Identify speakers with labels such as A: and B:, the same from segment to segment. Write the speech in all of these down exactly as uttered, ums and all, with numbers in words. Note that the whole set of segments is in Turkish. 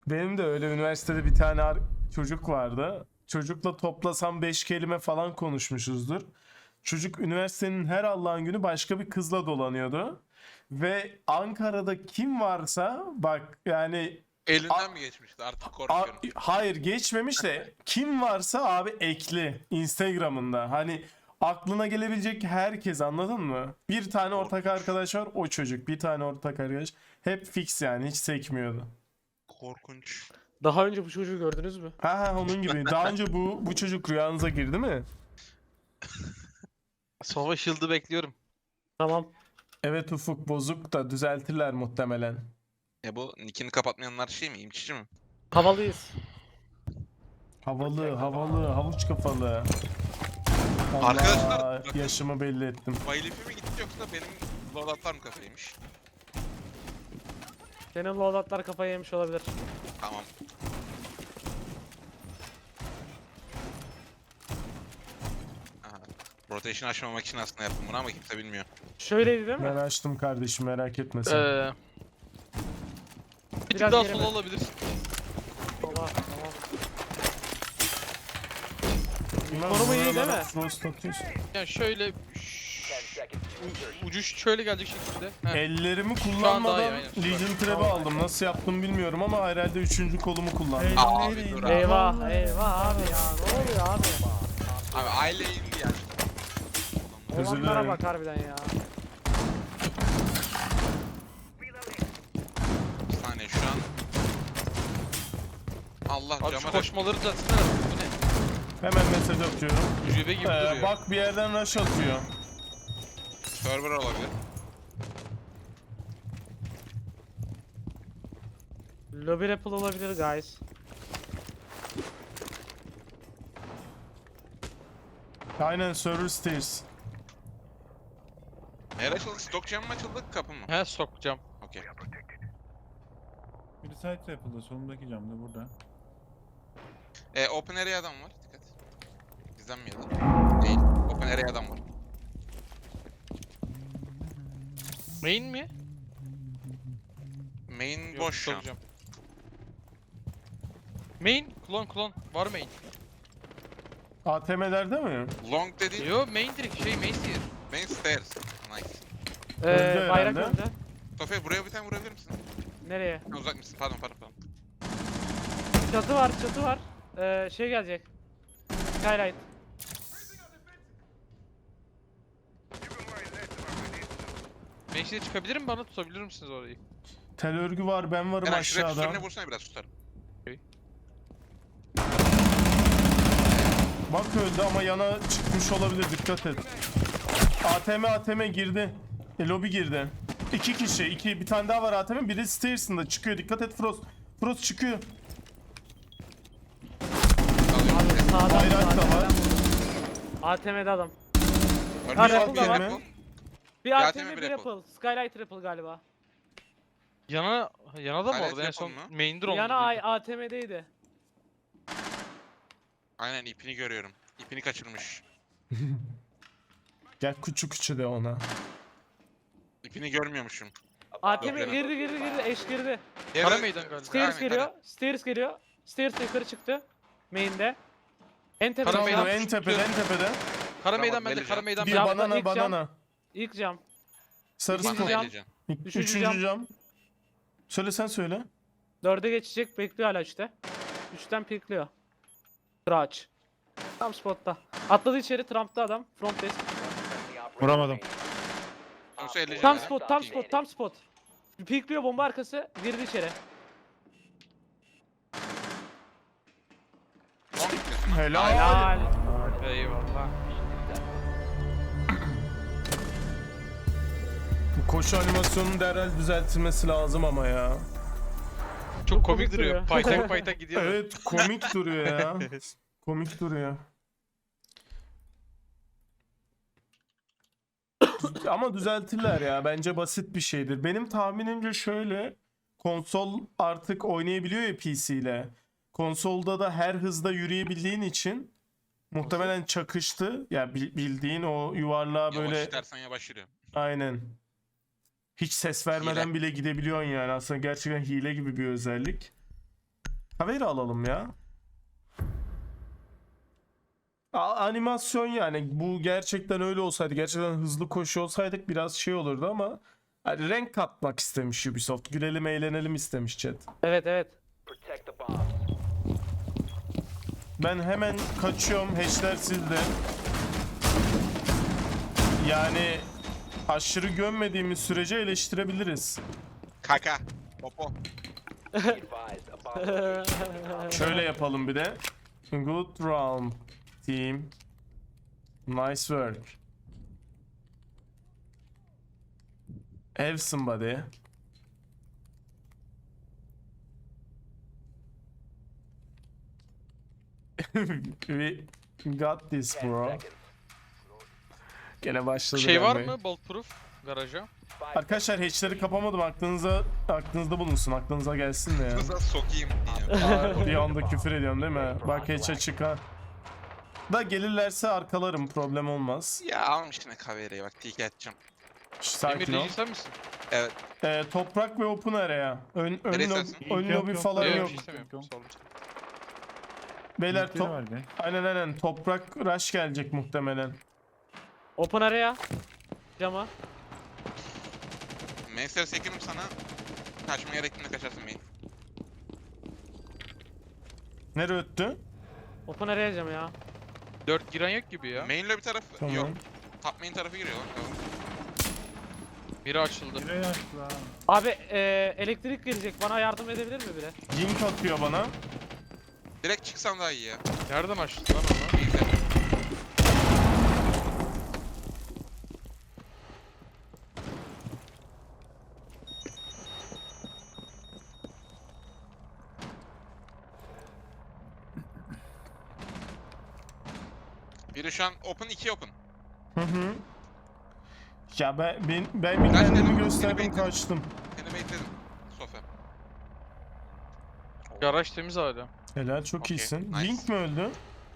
A: Benim de öyle üniversitede bir tane ar- çocuk vardı. Çocukla toplasam beş kelime falan konuşmuşuzdur. Çocuk üniversitenin her Allah'ın günü başka bir kızla dolanıyordu. Ve Ankara'da kim varsa bak yani a-
B: Elinden mi geçmişti? Artık
A: a-
B: korkuyorum.
A: hayır geçmemiş de kim varsa abi ekli Instagram'ında. Hani aklına gelebilecek herkes, anladın mı? Bir tane ortak
B: Korkunç.
A: arkadaş var, o çocuk. Bir tane ortak arkadaş. Hep fix yani, hiç sekmiyordu.
B: Korkunç.
C: Daha önce bu çocuğu gördünüz mü?
A: Ha ha, onun gibi. Daha önce bu bu çocuk rüyanıza girdi mi?
D: Savaş yıldı bekliyorum.
C: Tamam.
A: Evet Ufuk, bozuk da düzeltirler muhtemelen.
B: Ya bu nickini kapatmayanlar şey mi? İmçici mi?
C: Havalıyız.
A: Havalı, havalı, havuç kafalı. Allah,
B: Arkadaşlar, bakın.
A: yaşımı belli ettim.
B: Bayilifi mi gitti yoksa benim loadoutlar mı kafaymış?
C: Senin loadoutlar kafayı yemiş olabilir.
B: Tamam. Aha. Rotation açmamak için aslında yaptım bunu ama kimse bilmiyor.
C: Şöyleydi değil mi?
A: Ben açtım kardeşim, merak etme sen.
D: Ee, bir tık
C: Biraz
D: daha
C: geri
D: sola
C: mi?
D: olabilirsin.
C: Sola, tamam.
A: Bilmem,
C: konumu iyi değil
A: buralara
C: mi?
A: Frost atıyorsun.
D: Yani şöyle ş- u- ucu şöyle gelecek şekilde. Heh.
A: Ellerimi
D: daha iyi,
A: kullanmadan
D: aynen.
A: Legion Trap'i aldım. Nasıl yaptım bilmiyorum ama herhalde üçüncü kolumu kullandım.
B: Abi dur abi.
C: Eyvah eyvah abi ya. Ne oluyor abi?
B: Abi aile indi ya.
A: Özür
C: Hayvanlara
A: dilerim.
C: bak harbiden ya.
B: Bir saniye şu an. Allah
D: Abi şu
B: cama da...
D: koşmaları düzeltsene. Bu ne?
A: Hemen mesaj atıyorum.
D: Ucube gibi
A: Ee,
D: duruyor.
A: bak bir yerden rush atıyor.
B: Server olabilir.
C: Lobby Apple olabilir guys.
A: Aynen, server stairs.
B: Eğer açıldı, stok cam mı açıldı, kapı mı?
D: He sokacağım.
B: Okey.
E: Biri side trap'ında, solundaki camda burada.
B: E, open area adam var, dikkat. Bizden mi ya da? Değil. Open area adam var.
D: Main mi?
B: Main
D: Yok,
B: boş şu an.
D: sokacağım. Main, klon klon. Var main.
A: A T M'lerde mi?
B: Long dedi.
D: Yo main direkt şey main tier.
B: Main stairs. Nice.
C: Ee,
A: Öldü
C: bayrak
A: herhalde.
C: önde.
B: Tofe buraya bir tane vurabilir misin?
C: Nereye?
B: Ha, uzak mısın? Pardon pardon pardon.
C: Çatı var çatı var. Ee, şey gelecek. Skylight.
D: Main tier çıkabilirim bana tutabilir misiniz orayı?
A: Tel örgü var, ben varım
B: Eren şuraya
A: aşağıda.
B: üstlerine vursana biraz tutarım.
A: Bak öldü ama yana çıkmış olabilir, dikkat et. A T M A T M girdi. E, lobi girdi. İki kişi, iki, bir tane daha var A T M. Biri stairs'ında çıkıyor, dikkat et Frost. Frost çıkıyor.
B: Alıyorum.
C: Abi sağdan
A: Bayrak da
C: sağdan.
A: var.
C: A T M'de adam.
B: Ölmüş
C: Har,
B: bir
C: Apple da var.
B: Apple.
C: Bir
B: Bir
C: A
B: A
C: T
B: T M,
C: M
B: bir
C: bir
B: Apple.
C: Apple. Skylight Apple galiba.
D: Yana, yana da mı
B: Hala
D: orada en
B: yapalım
D: son
B: mı?
D: main drone.
C: Yana ay A T M'deydi.
B: Aynen ipini görüyorum. İpini kaçırmış.
A: Gel küçü küçü de ona.
B: İpini görmüyormuşum.
C: A T M
B: Yok,
C: girdi girdi girdi eş girdi.
D: Kara
B: Yere-
D: meydan galiba.
C: Stairs
B: Aynen,
C: geliyor. Stairs geliyor. Stairs yukarı çıktı. Main'de. En tepede.
D: Kara
A: Tamam,
D: meydan
A: en
D: küçük
A: tepede, en
D: tutuyorum.
A: tepede.
D: Kara
B: Tamam,
D: meydan bende,
B: vereceğim.
D: kara meydan
A: Bir
D: bende.
C: Camda
A: banana,
C: ilk cam.
A: banana.
C: İlk cam.
A: Sarı
C: İkinci
A: skop.
C: cam.
B: Eleyeceğim.
A: Üçüncü,
C: Üçüncü
A: cam.
C: cam.
A: Söyle, sen söyle.
C: Dörde geçecek. Bekliyor hala üçte. Üçten pikliyor. Crouch. Tam spotta. Atladı içeri. Trump'ta adam. Front desk.
E: Vuramadım.
B: Sonuçta eleyeceğim.
C: Tam
B: ya.
C: spot, tam spot, tam spot. Pikliyor bomba arkası. Girdi içeri.
B: Long gitmesin.
A: Helal.
C: Helal.
D: Eyvallah.
A: Bu koşu animasyonunun derhal düzeltilmesi lazım ama ya.
D: Çok
C: komik
D: komik duruyor.
C: duruyor.
D: Paytak paytak gidiyor.
A: Evet, komik duruyor ya. Komik duruyor. Ama düzeltirler ya. Bence basit bir şeydir. Benim tahminimce şöyle. Konsol artık oynayabiliyor ya P C ile. Konsolda da her hızda yürüyebildiğin için muhtemelen çakıştı. Ya bil- bildiğin o yuvarlığa
B: Yavaş
A: böyle,
B: istersen yavaş yürü.
A: aynen. Hiç ses vermeden
B: Hile.
A: bile gidebiliyorsun yani. Aslında gerçekten hile gibi bir özellik. Kaveri alalım ya. A- animasyon yani bu gerçekten öyle olsaydı, gerçekten hızlı koşu olsaydık biraz şey olurdu ama hani renk katmak istemiş Ubisoft. Gülelim eğlenelim istemiş chat.
C: Evet evet.
A: Ben hemen kaçıyorum. Hatchler sizde. Yani aşırı gömmediğimiz sürece eleştirebiliriz.
B: Kaka. Popo.
A: Şöyle yapalım bir de. Good round team. Nice work. Have somebody. We got this bro. Gene başladı.
D: Şey var
A: gelmeye.
D: mı? Bulletproof garaja.
A: Arkadaşlar hatchleri kapamadım. Aklınıza aklınızda bulunsun. Aklınıza gelsin de ya.
B: Kıza sokayım diye.
A: Aa, bir anda küfür ediyorum değil mi? Bak hatch açık ha. Da gelirlerse arkalarım. Problem olmaz.
B: Ya almış yine kavereyi bak tiki atacağım.
A: Şş,
D: Emir
A: sakin ol.
D: Reji sen misin?
B: Evet.
A: Ee, toprak ve open area. Ön, ön,
B: Neresi
A: lob,
B: olsun?
A: ön
E: Yok,
A: lobi
E: yok.
A: falan
D: Yok,
A: yok.
D: bir şey istemiyorum. Sağ olun.
A: Beyler
E: Linkleri
A: top...
E: var be.
A: Aynen aynen. Toprak rush gelecek muhtemelen.
C: Open area. Cama.
B: Mainstay sekirim sana. Kaçma gerektiğinde kaçarsın main.
A: Nereye öttü?
C: Open area cama ya.
D: Dört giren yok gibi ya.
B: Main lobby tarafı
A: Tamam.
B: yok. Top main tarafı giriyor lan. Tamam.
D: Biri açıldı.
E: Direği açtı lan.
C: Abi eee, elektrik gelecek. Bana yardım edebilir mi biri?
A: Link atıyor bana.
B: Direkt çıksam daha iyi ya.
D: Nereden açtı lan onu?
B: Mainstay. Biri şu an open, iki open.
A: Hı hı. Ya ben ben, ben bir
B: Kaç
A: kendimi
B: dedim,
A: gösterdim
B: seni bekledim.
A: kaçtım.
B: Seni baitledim. Sofa.
D: Garaj temiz hala.
A: Helal çok
B: Okey,
A: iyisin.
B: nice.
A: Link mi öldü?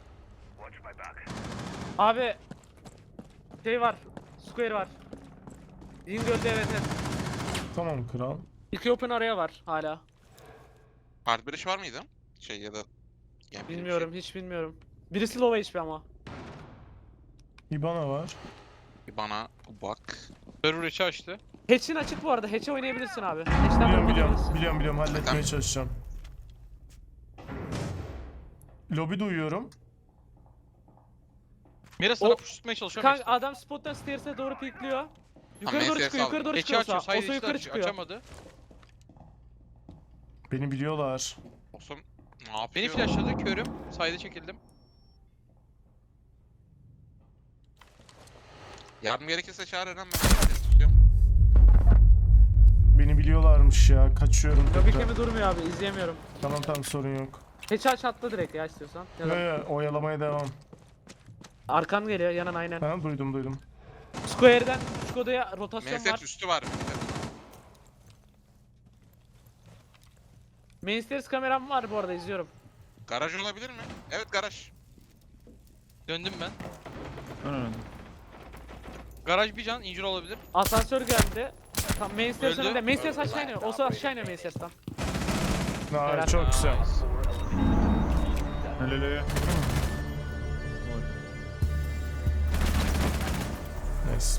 C: Abi şey var. Square var. Ying öldü evet evet.
A: Tamam kral.
C: İki open area var hala.
B: Hard bridge var mıydı? Şey ya da... Yani bir
C: Bilmiyorum hiç bilmiyorum. Birisi low H P ama.
A: İbana var.
B: Şey. Bir bana bak.
D: Server içi açtı.
C: Hatch'in açık bu arada. Hatch'e oynayabilirsin abi. Hatch'ten
A: Biliyorum biliyorum.
C: oynayabilirsin.
A: Biliyorum biliyorum halletmeye
B: Tamam.
A: çalışacağım. Lobi duyuyorum.
D: Mira sana
C: O-
D: push tutmaya çalışıyor.
C: Kanka adam spottan stairs'e doğru pikliyor. Yukarı doğru
B: Main
C: çıkıyor,
B: stairs
C: yukarı doğru
D: Geçi
C: çıkıyor.
D: açıyor.
C: Osa,
D: Side
C: Osa
D: içi
C: yukarı
D: açıyor.
C: çıkıyor.
D: Açamadı.
A: Beni biliyorlar.
B: Olsun. Ne yapıyor?
D: Beni flashladı. Körüm. Side'e çekildim.
B: Yardım gerekirse çağır Eren, ben seni tutuyorum.
A: Beni biliyorlarmış ya. Kaçıyorum
C: Lobi
A: tekrar.
C: kemi durmuyor abi. İzleyemiyorum.
A: Tamam tamam sorun yok.
C: Hatch'i aç atla direkt ya istiyorsan. Ya
A: Yo,
C: da
A: yo, oyalamaya devam.
C: arkan geliyor yanan aynen.
A: Ha duydum duydum.
C: Square'den küçük odaya rotasyon
B: Mainstay
C: var.
B: üstü var.
C: Main stairs kameram var bu arada izliyorum.
B: Garaj olabilir mi? Evet garaj.
D: Döndüm ben.
E: Ön önde.
D: Garaj bir can. Injure olabilir.
C: Asansör geldi. Tam main stairs
D: Öldü.
C: önünde. Main stairs aşağı iniyor. Osa aşağı iniyor main stairs'tan.
A: Ha,
C: Helal.
A: çok güzel.
E: Helal helal.
A: Nice.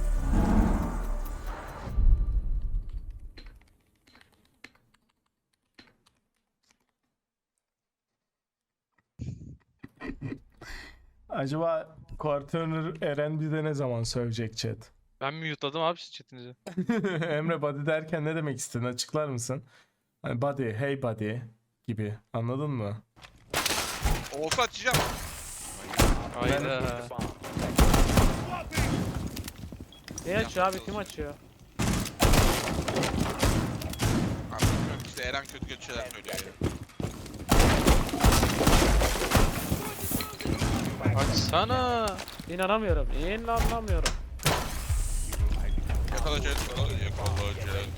A: Acaba Quarterner Eren bize ne zaman sövecek chat?
D: Ben mute'ladım abi siz chatinizi.
A: Emre buddy derken ne demek istedin? Açıklar mısın? Hani buddy, hey buddy gibi. Anladın mı?
B: Olsa açacağım.
D: Hayda.
C: Ne açıyor abi? Kim açıyor?
B: Abi bilmiyorum işte Eren kötü kötü şeyler söylüyor ya.
D: Açsana.
C: İnanamıyorum. İnanamıyorum.
B: Yakalayacağız. Yakalayacağız.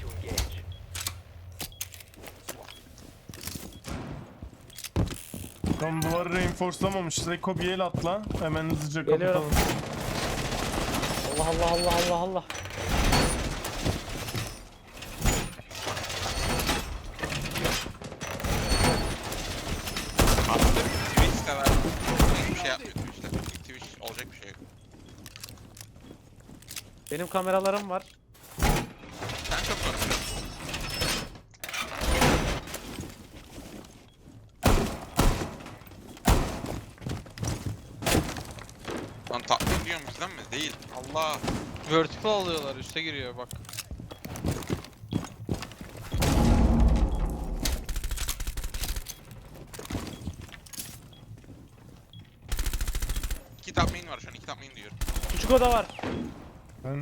A: Tam duvarı reinforcelamamışız. Eko bir el atla. Hemen hızlıca
C: Geliyorum.
A: kapatalım.
C: Allah Allah Allah Allah Allah.
B: bir şey yapmıyor Twitch'te. Twitch olacak bir şey yok.
C: Benim kameralarım var.
B: Ben çok korkuyorum. Lan tatmin ediyorum bizden mi? Değil. Allah.
D: Vertical alıyorlar, üste giriyor bak.
B: İki top main var şu an. iki top main diyorum.
C: Küçük oda var.
A: Ben...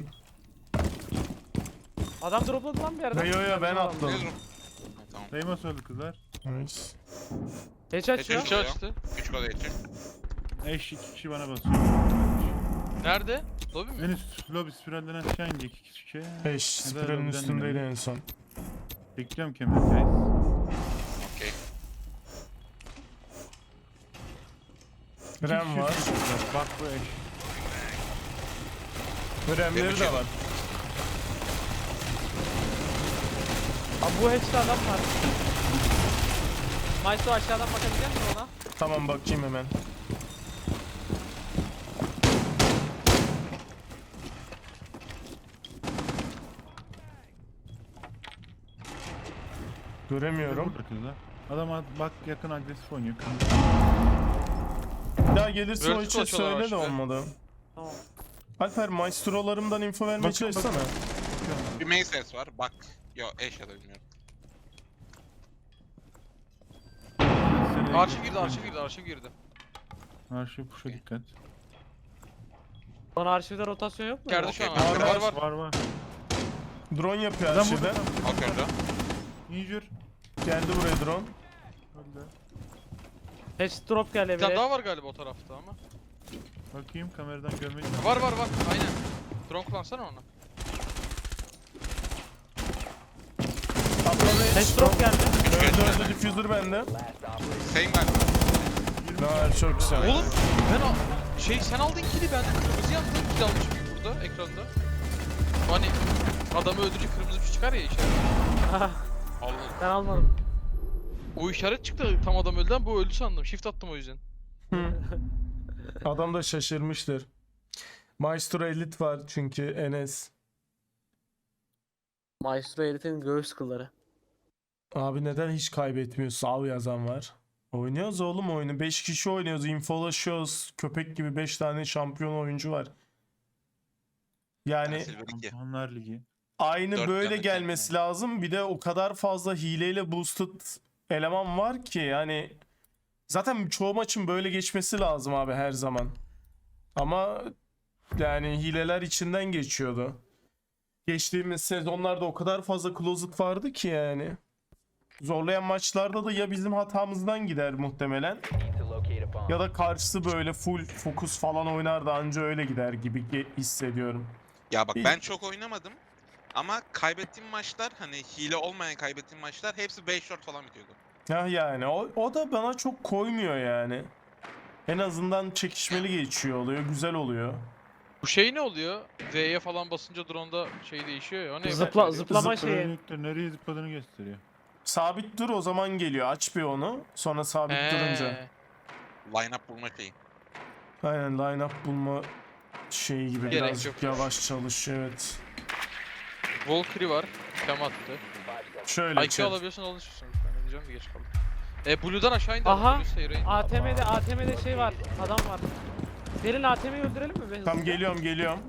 C: Adam dropladı lan bir yerden.
A: Yo yo ben
B: Ne
A: atladım.
B: durum? Ha, tamam.
E: Famous öldü kızlar.
A: Nice.
C: Geç açıyor.
B: Geçiyor.
D: İki açtı.
B: Üç kod geçecek.
E: Eş iki kişi bana basıyor.
D: Nerede? Lobby mi?
E: En üst lobi spiralden aşağı inecek iki kişi.
A: Beş. Spiralin
E: lobiden
A: üstündeydi
E: dönelim.
A: en son.
E: Bekliyorum kemer guys.
B: Okey.
A: Rem var.
E: Bak bu eş.
A: Remleri de var.
C: Abi bu hatch'te adam var. Maestro aşağıdan bakabilecek misin ona?
A: Tamam bakayım hemen. Göremiyorum.
E: Burada kızlar. Adam ad- bak yakın agresif oynuyor.
A: Ya gelirse o
D: Vertical
A: içe
D: açıyorlar
A: söyle de
D: başta.
A: olmadı.
C: Tamam.
A: Alper maestrolarımdan info vermeye
E: Bakın,
A: çalışsana.
B: Bir main ses var. Bak. Yo eş ya da bilmiyorum.
D: Arşiv girdi, arşiv girdi, arşiv girdi.
E: Arşiv puşa dikkat.
C: Son arşivde rotasyon yok mu?
D: Geldi şu an.
B: Okey,
D: arşiv.
B: var,
D: Var var.
E: Var var.
A: Drone yapıyor
E: Adam
A: arşivde.
E: burada.
B: Bakıyorum da.
E: Injur.
A: Geldi buraya drone.
E: Öldü.
C: Hatch drop geldi
D: Bir tane
C: bile.
D: daha var galiba o tarafta ama.
E: Bakayım kameradan görmek
D: Var var var, aynen. Drone kullansana onu.
A: Atladı.
C: Hatch drop geldi.
A: Öldü öldü diffuser bende.
B: Same ben.
A: Ha, çok güzel.
D: Oğlum ben al şey sen aldın kili, ben de kırmızı yaptım, kill almışım gibi burada ekranda. Hani adamı öldürünce kırmızı bir şey çıkar ya işaret.
B: Allah.
C: Ben almadım.
D: O işaret çıktı tam adam öldüden, bu öldü sandım. Shift attım o yüzden.
A: Adam da şaşırmıştır. Maestro Elite var çünkü Enes.
C: Maestro Elite'in göğüs kılları.
A: Abi neden hiç kaybetmiyor? Sav yazan var. Oynuyoruz oğlum oyunu. beş kişi oynuyoruz. Infolaşıyoruz. Köpek gibi beş tane şampiyon oyuncu var. Yani
B: Silver iki.
E: Şampiyonlar Ligi.
A: aynı
B: Dört
A: böyle
B: tane
A: gelmesi lazım. Bir de o kadar fazla hileyle boosted eleman var ki yani zaten çoğu maçın böyle geçmesi lazım abi her zaman. Ama yani hileler içinden geçiyordu. Geçtiğimiz sezonlarda o kadar fazla closet vardı ki yani. Zorlayan maçlarda da ya bizim hatamızdan gider muhtemelen ya da karşısı böyle full fokus falan oynar da anca öyle gider gibi ge- hissediyorum.
B: Ya bak
A: İyi.
B: ben çok oynamadım. Ama kaybettiğim maçlar hani hile olmayan kaybettiğim maçlar hepsi beş short falan bitiyordu.
A: Ya yani o, o da bana çok koymuyor yani. En azından çekişmeli geçiyor oluyor, güzel oluyor.
D: Bu şey ne oluyor? V'ye falan basınca drone'da şey değişiyor ya. O ne?
C: Zıpla,
D: Ben-
C: zıplama şeyi.
E: Zıplayanlıkta nereye zıpladığını gösteriyor.
A: Sabit dur o zaman geliyor. Aç bir onu. Sonra sabit
D: He.
A: durunca.
B: Line up bulma şeyi.
A: Aynen line up bulma şeyi gibi
D: Gerek
A: birazcık
D: yok.
A: yavaş çalışıyor evet.
D: Valkyrie var. Tem attı.
A: Şöyle
D: I Q
A: chat.
D: alabiliyorsun, alışırsın. Ben ne diyeceğim de geç kaldım. E Blue'dan aşağı indi.
C: Aha.
D: adam, Blue Sailor'a indi.
C: A T M'de A T M'de şey var. Adam var. Gelin A T M'yi öldürelim mi be?
A: Tam
C: hızlıca?
A: geliyorum geliyorum.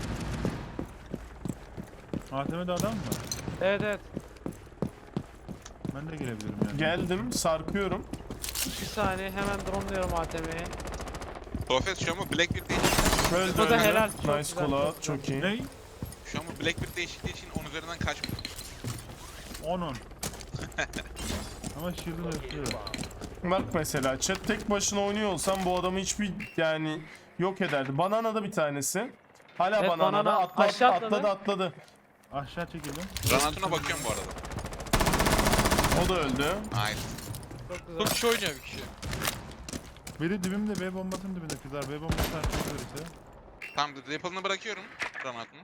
E: A T M'de adam mı var?
C: Evet evet.
E: Ben de gelebilirim yani.
A: Geldim sarkıyorum.
C: Bir saniye hemen drone'luyorum A T M'yi.
B: Profes şu an bu Blackbeard değişikliği.
A: Öldü
C: O da
A: öldü.
C: helal, çok
A: Nice
C: güzel,
A: call
C: çok
A: out
C: güzel.
A: çok iyi.
E: Ne?
B: Şu an bu Blackbeard değişikliği için on üzerinden kaçmıyor.
E: on on. Ama shield'ını ötüyor.
A: Bak mesela chat tek başına oynuyor olsam bu adamı hiçbir yani yok ederdi. Banana da bir tanesi. Hala
C: Evet,
A: banana da
C: Banana
A: atla,
C: aşağı
A: atladı.
C: atladı.
A: atladı
E: Aşağı çekildim.
B: Granatına bakıyorum bu arada.
A: O da öldü.
B: Nice.
C: Çok güzel.
D: Çok kişi oynuyor bir kişi.
E: Biri dibimde B bombasının dibinde kızlar. B bombası açılırsa.
B: Tamam Ripple'ını bırakıyorum. Granatını.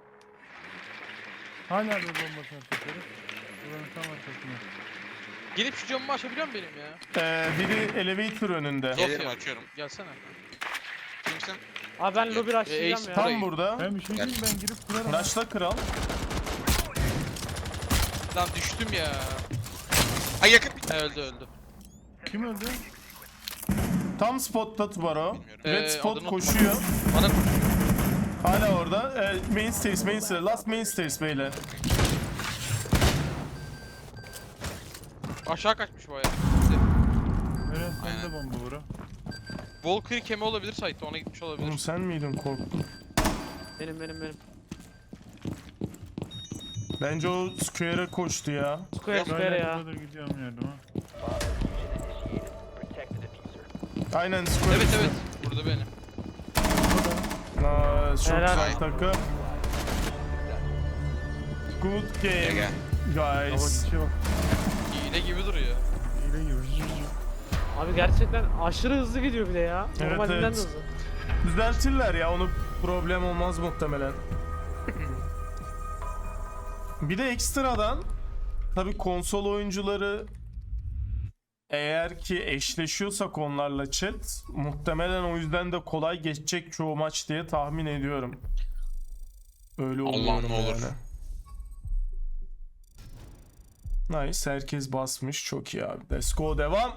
E: Hala B bombası açılırsa. Buranın tam arkasında.
D: Gelip şu camımı açabiliyor musun benim ya?
A: Ee, biri elevator önünde.
B: Gelirim
D: Yok ya.
B: açıyorum.
D: Gelsene.
B: sen.
C: Abi ben lobby
D: E,
C: rushlayacağım
D: Ace
C: ya.
D: Burayı-
A: Tam burada.
E: Ben bir şey diyeyim ben girip kurarım.
A: Raşla kral.
D: Lan düştüm ya.
B: Ay yakın bir.
D: He, öldü öldü.
E: Kim öldü?
A: Tam spotta Tubaro.
B: Bilmiyorum.
A: Red
D: Ee,
A: spot
D: adını
A: koşuyor.
D: Bana
A: Hala orada. Ee, main stairs, main stairs. Last main stairs beyler.
D: aşağı kaçmış bayağı.
E: Eren sen
B: Aynen.
E: de bomba vura.
D: Volker kemi olabilir site'de, ona gitmiş olabilir.
A: Oğlum sen miydin korktun?
C: Benim benim benim.
A: Bence o square'e koştu ya.
C: Square square
E: Hala
C: ya.
E: kadar gidiyorum yardıma.
A: Aynen square.
D: Evet
A: üstü.
D: evet. Burada benim.
A: Nice, çok
C: Helal.
A: güzel takım. Good game,
B: Gel.
E: Hava
A: guys.
E: gidişe bak.
D: Hile gibi duruyor.
E: Hile gibi.
C: Abi gerçekten aşırı hızlı gidiyor bir de ya.
A: Evet,
C: Normalinden
A: evet.
C: de hızlı.
A: Düzeltirler ya, onu problem olmaz muhtemelen. Bir de ekstradan tabii konsol oyuncuları eğer ki eşleşiyorsak onlarla chat, muhtemelen o yüzden de kolay geçecek çoğu maç diye tahmin ediyorum. Öyle
B: Allah'ım
A: umuyorum
B: ne olur.
A: yani. Nice, herkes basmış, çok iyi abi. Let's go, devam.